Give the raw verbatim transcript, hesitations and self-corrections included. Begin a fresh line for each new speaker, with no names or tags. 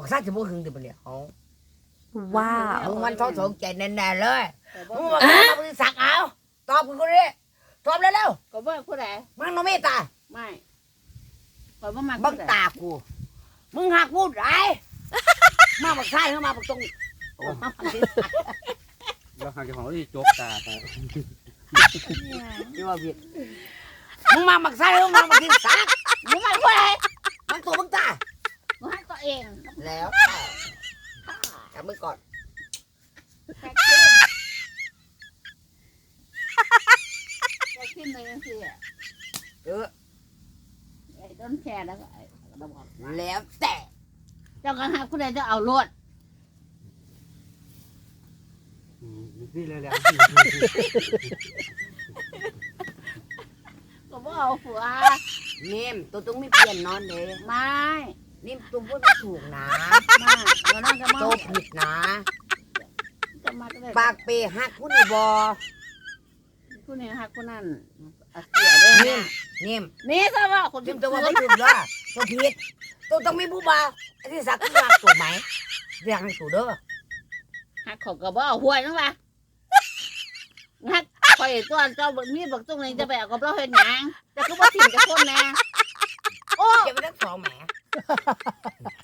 บอกซาจะบ่หึงดิบ่เนี่ยเอา
ว้าว
มึงมันท้องสงใจแน่ๆเลยมึงบอกว่ามึงสักเอาตอบกูคนนี้ตอบเร็ว
ก็บ่ผู้ใด
ๆมึงโนเมตา
ไม่ก็บ่มัก
บังตากูมึงหักพูดไรมาบักซ้ายเข้ามาบักตรงโอ้มาบักที่
เราหาเจ้าของที่จกตาไป
ที่ว่าผิดมึงมาบักซ้ายเข้ามาบักที่สัก
มึงมักผู้ใด
มันตัวบังตา
มึงหักตัวเอง
แล้วจับมือก่อน
แค่ขึ้นแค่ขึ้นเลยจังซี่อ่ะ
เออ
ไอ้ต้นแค่แล้วก็ไอ้ระบอก
แล้วแต่
เจ้าก็หักผู้ใดจะเอารวด
นี่เลยแหละ
ก็บ่เอาผัว
นิ่มตัวต้องไม่เปลี่ยนนอนเลย
ไม่
นิ่มตัวพูดไม่ถูกนะ
ไม่เดี๋ยวนั่นจะมา
โตผิดนะ
จะมาก็ได้
ปากเปหักผู้นี่บอ
ผู้นี้หักผู้นั้นเอาเสียเด้
นิ่
อ
มนิ่ม
นี่ซะว่าคน
นิ่
ที่
มตัว
ตัว
ว่าไม่ถูกด้วยตัวผิดตัวต้องมีผู้บ่าวไอ้ที่สักคือหักตัวไหมเรียกให้ถูกเด้อ
หักเขาก็บ่เอาหวยนั่นล่ะหักคอยตัวเจ้ามีบักตรงนี้จะไปเอากับเราเฮ็ดหยังแต่ก็บ่ถิ่มจะคนแน่โอ้
เก็บไว้ทั้งสองแหม